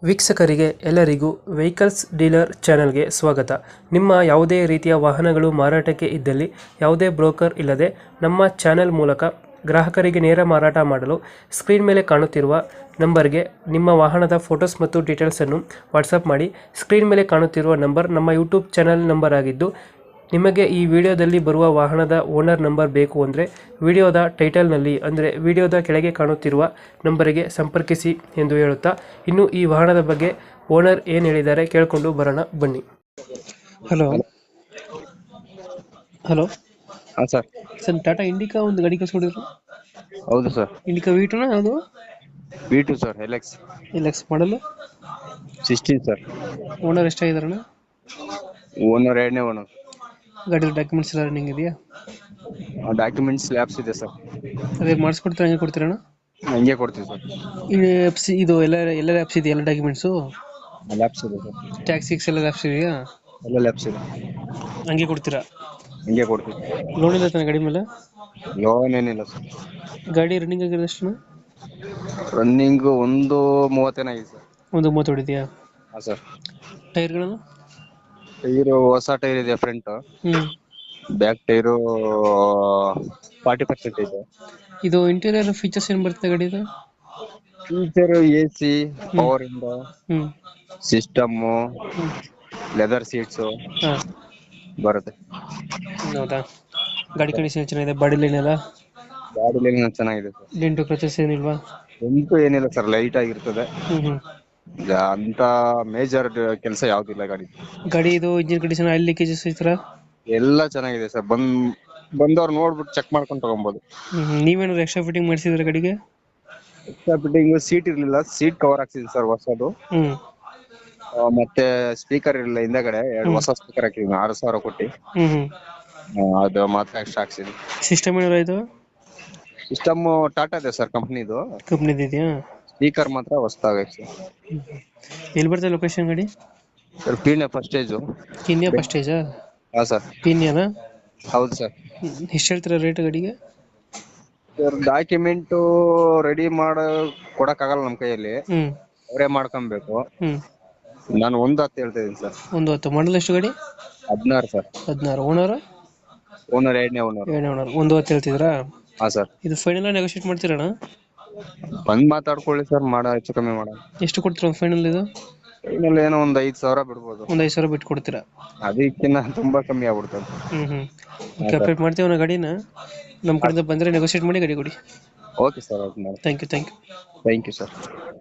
ವೀಕ್ಷಕರಿಗೆ ಎಲ್ಲರಿಗೂ vehicles dealer ಚಾನೆಲ್ಗೆ ಸ್ವಾಗತ. ನಿಮ್ಮ ಯಾವುದೇ ರೀತಿಯ ವಾಹನಗಳು ಮಾರಾಟಕ್ಕೆ ಇದ್ದಲ್ಲಿ ಯಾವುದೇ ಬ್ರೋಕರ್ ಇಲ್ಲದೆ ನಮ್ಮ ಚಾನೆಲ್ ಮೂಲಕ ಗ್ರಾಹಕರಿಗೆ ನೇರ ಮಾರಾಟ ಮಾಡಲು ಸ್ಕ್ರೀನ್ ಮೇಲೆ ಕಾಣುತ್ತಿರುವ ನಂಬರ್ಗೆ ನಿಮ್ಮ ವಾಹನದ ಫೋಟೋಸ್ ಮತ್ತು ಡೀಟೇಲ್ಸನ್ನು ವಾಟ್ಸಪ್ ಮಾಡಿ. ಸ್ಕ್ರೀನ್ ಮೇಲೆ ಕಾಣುತ್ತಿರುವ ನಂಬರ್ ನಮ್ಮ ಯೂಟ್ಯೂಬ್ ಚಾನೆಲ್ ನಂಬರ್ ಆಗಿದ್ದು, ನಿಮಗೆ ಈ ವಿಡಿಯೋದಲ್ಲಿ ಬರುವ ವಾಹನದ ಓನರ್ ನಂಬರ್ ಬೇಕು ಅಂದರೆ ವಿಡಿಯೋದ ಟೈಟಲ್ನಲ್ಲಿ ಅಂದರೆ ವಿಡಿಯೋದ ಕೆಳಗೆ ಕಾಣುತ್ತಿರುವ ನಂಬರಿಗೆ ಸಂಪರ್ಕಿಸಿ ಎಂದು ಹೇಳುತ್ತಾ, ಇನ್ನು ಈ ವಾಹನದ ಬಗ್ಗೆ ಓನರ್ ಏನು ಹೇಳಿದ್ದಾರೆ ಕೇಳಿಕೊಂಡು ಬರೋಣ ಬನ್ನಿ. ಹಲೋ ಹಲೋ ಹಾಂ ಸರ್. ಸರ್, ಟಾಟಾ ಇಂಡಿಕಾ ಒಂದು ಗಾಡಿ ಕಳ್ಸ್ಕೊಂಡಿದ್ರು. ಹೌದು ಸರ್. ಇಂಡಿಕಾ ವೀಟುನಾ ಅದು? V2 ಸರ್, LX LX ಮಾಡಲು 16 ಸರ್. ಓನರ್ ಎಷ್ಟಾಗಿದಾರಣ? ಓನರ್ ಎರಡನೇ ಓನರ್. ಗಾಡಿ ಡಾಕ್ಯುಮೆಂಟ್ಸ್ ಎಲ್ಲ ರನ್ನಿಂಗ್ ಇದೆಯಾ? ಡಾಕ್ಯುಮೆಂಟ್ಸ್ ಲ್ಯಾಬ್ಸ್ ಇದೆ ಸರ್. ಅದೇ ಮಾಡಿಸ್ಕೊಡ್ತೀರಾ, ಹಂಗೆ ಕೊಡ್ತೀರಣ್ಣ? ಹಂಗೆ ಕೊಡ್ತೀವಿ ಸರ್. ಇದು ಎಫ್ ಸಿ, ಇದು ಎಲ್ಲ ಆ್ಯಪ್ಸ್ ಇದೆಯಾ? ಎಲ್ಲ ಡಾಕ್ಯುಮೆಂಟ್ಸು, ಲ್ಯಾಬ್ಸ್ ಇದೆ ಸರ್. ಟ್ಯಾಕ್ಸಿಕ್ಸ್ ಎಲ್ಲ ಆ್ಯಪ್ಸ್ ಇದೆಯಾ? ಎಲ್ಲ ಲ್ಯಾಬ್ಸ್ ಇದೆ. ಹಂಗೆ ಕೊಡ್ತೀರಾ? ಹಂಗೆ ಕೊಡ್ತೀವಿ. ಲೋನ್ ಇಲ್ಲ ತಾನೆ ಗಾಡಿ ಮೇಲೆ? ಲೋನ್ ಏನಿಲ್ಲ ಸರ್. ಗಾಡಿ ರನ್ನಿಂಗ್ ಆಗಿರೋದು ಎಷ್ಟು? ರನ್ನಿಂಗ್ 1:30 ಆಗಿದೆ ಸರ್. 1:30 ಹೊಡಿದೆಯಾ? ಹಾಂ ಸರ್. ಟೈರ್ಗಳನ್ನು? ಟೈರು ಹೊಸ ಟೈರ್ ಇದೆ ಫ್ರಂಟ್. ಬ್ಯಾಕ್ ಟೈರು 40% ಇದೆ. ಇದು ಇಂಟೀರಿಯರ್ ಫೀಚರ್ಸ್ ಏನು ಬರ್ತದೆ ಗಾಡಿದು? ಫೀಚರ್ AC, ಪವರ್ ಇಂಡ, ಸಿಸ್ಟಮ್ಮು, ಲೆದರ್ ಸೀಟ್ಸು ಹಾಂ ಬರುತ್ತೆ. ಹೌದಾ? ಗಾಡಿ ಕಂಡೀಷನ್ ಚೆನ್ನಾಗಿದೆ? ಬಾಡಿ ಲೈನ್ ಎಲ್ಲ ಗಾಡಿ ಲೈನ್ ಚೆನ್ನಾಗಿದೆ ಸರ್. Dent scratches ಏನಿಲ್ವಾ? ಎಂಟು ಏನಿಲ್ಲ ಸರ್, ಲೈಟ್ ಆಗಿರ್ತದೆ. ಹ್ಞೂ ಅಂತ ಮೇಜರ್ ಕೆಲಸ ಯಾವ್ದಿಲ್ಲ ಗಾಡಿ. ಗಾಡಿ ಇದು ಇಂಜಿನ್ ಕಂಡೀಷನ್, ಆಯಿಲ್ ಲೀಕೇಜಸ್ ಈ ಥರ ಎಲ್ಲ ಚೆನ್ನಾಗಿದೆ ಸರ್. ಬಂದವ್ರು ನೋಡ್ಬಿಟ್ಟು ಚೆಕ್ ಮಾಡ್ಕೊಂಡು ತಗೊಬೋದು. ನೀವೇನಾದ್ರು ಎಕ್ಸ್ಟ್ರಾ ಫಿಟ್ಟಿಂಗ್ ಮಾಡಿಸಿದ್ರೆ ಗಾಡಿಗೆ? ಎಕ್ಸ್ಟ್ರಾ ಫಿಟ್ಟಿಂಗ್ ಸೀಟ್ ಇರ್ಲಿಲ್ಲ, ಸೀಟ್ ಕವರ್ ಹಾಕ್ಸಿದ್ವಿ ಸರ್ ಹೊಸದು. ಮತ್ತೆ ಸ್ಪೀಕರ್ ಇರಲಿಲ್ಲ ಹಿಂದೆಗಡೆ, ಎರಡು ಹೊಸ ಸ್ಪೀಕರ್ ಹಾಕಿದ್ವಿ 6,000 ಕೊಟ್ಟು. ಅದು ಮಾತ್ರ ಎಕ್ಸ್ಟ್ರಾ ಹಾಕ್ಸಿದ್ವಿ. ಸಿಸ್ಟಮ್ ಏನಾರ ಇದು? ಸಿಸ್ಟಮ್ ಟಾಟಾ ಇದೆ ಸರ್, ಕಂಪ್ನಿದು. ಕಂಪ್ನಿದು ಇದೆಯಾ? ಸ್ಪೀಕರ್ ಮಾತ್ರ ಹೊಸದಾಗಿ ಸರ್. ಎಲ್ಲಿ ಬರ್ತದೆ ಲೊಕೇಶನ್ ಗಾಡಿ? Sir Peenya first stage. ಕಿನ್ಯಾ ಫಸ್ಟ್ ಸ್ಟೇಜಾ? ಹಾಂ ಸರ್. ಕಿನ್ಯಾನಾ? ಹೌದು ಸರ್. ಎಷ್ಟು ಹೇಳ್ತೀರಾ ರೇಟ್ ಗಾಡಿಗೆ? ಸರ್ ಡಾಕ್ಯುಮೆಂಟು ರೆಡಿ ಕೊಡಕ್ಕಾಗಲ್ಲ ನಮ್ಮ ಕೈಯಲ್ಲಿ, ಅವರೇ ಮಾಡ್ಕೊಬೇಕು. ನಾನು 1:10 ಹೇಳ್ತಾ ಇದ್ದೀನಿ ಸರ್. 1:10 ಮಾಡಲ್ ಎಷ್ಟು ಗಾಡಿ? 16 ಸರ್. 16. ಓನರ್? ಓನರ್ ಎರಡನೇ ಓನರ್. 1:10 ಹೇಳ್ತಿದ್ರಾ? ಹಾಂ ಸರ್. ಇದು ಫೈನಲ್ ನೆಗೋಷಿಯೇಟ್ ಮಾಡ್ತೀರಣ್ಣ? ಬಂದು ಮಾತಾಡ್ಕೊಳ್ಳಿ ಸರ್, ಹೆಚ್ಚು ಕಮ್ಮಿ ಮಾಡೋಣ. ಎಷ್ಟು ಕೊಡ್ತೀರಾ ಫೈನಲ್ ಇದು? ಫೈನಲ್ ಏನೋ ಒಂದು 5,000 ಬಿಡ್ಬೋದು. ಒಂದು 5,000 ಬಿಟ್ಟು ಕೊಡ್ತೀರಾ? ಅದಕ್ಕಿಂತ ತುಂಬಾ ಕಮ್ಮಿ ಆಗ್ಬಿಡ್ತದೆ. ಅಪ್ಡೇಟ್ ಮಾಡ್ತೀವಿ ನಾವು ಗಾಡಿನ. ನಮ್ಮ ಕಡೆಯಿಂದ ಬಂದರೆ ನೆಗೋಷಿಯೇಟ್ ಮಾಡಿ ಗಾಡಿ ಕೊಡಿ. ಓಕೆ ಸರ್, ಓಕೆ ಮಾಡಿ. Thank you thank you sir.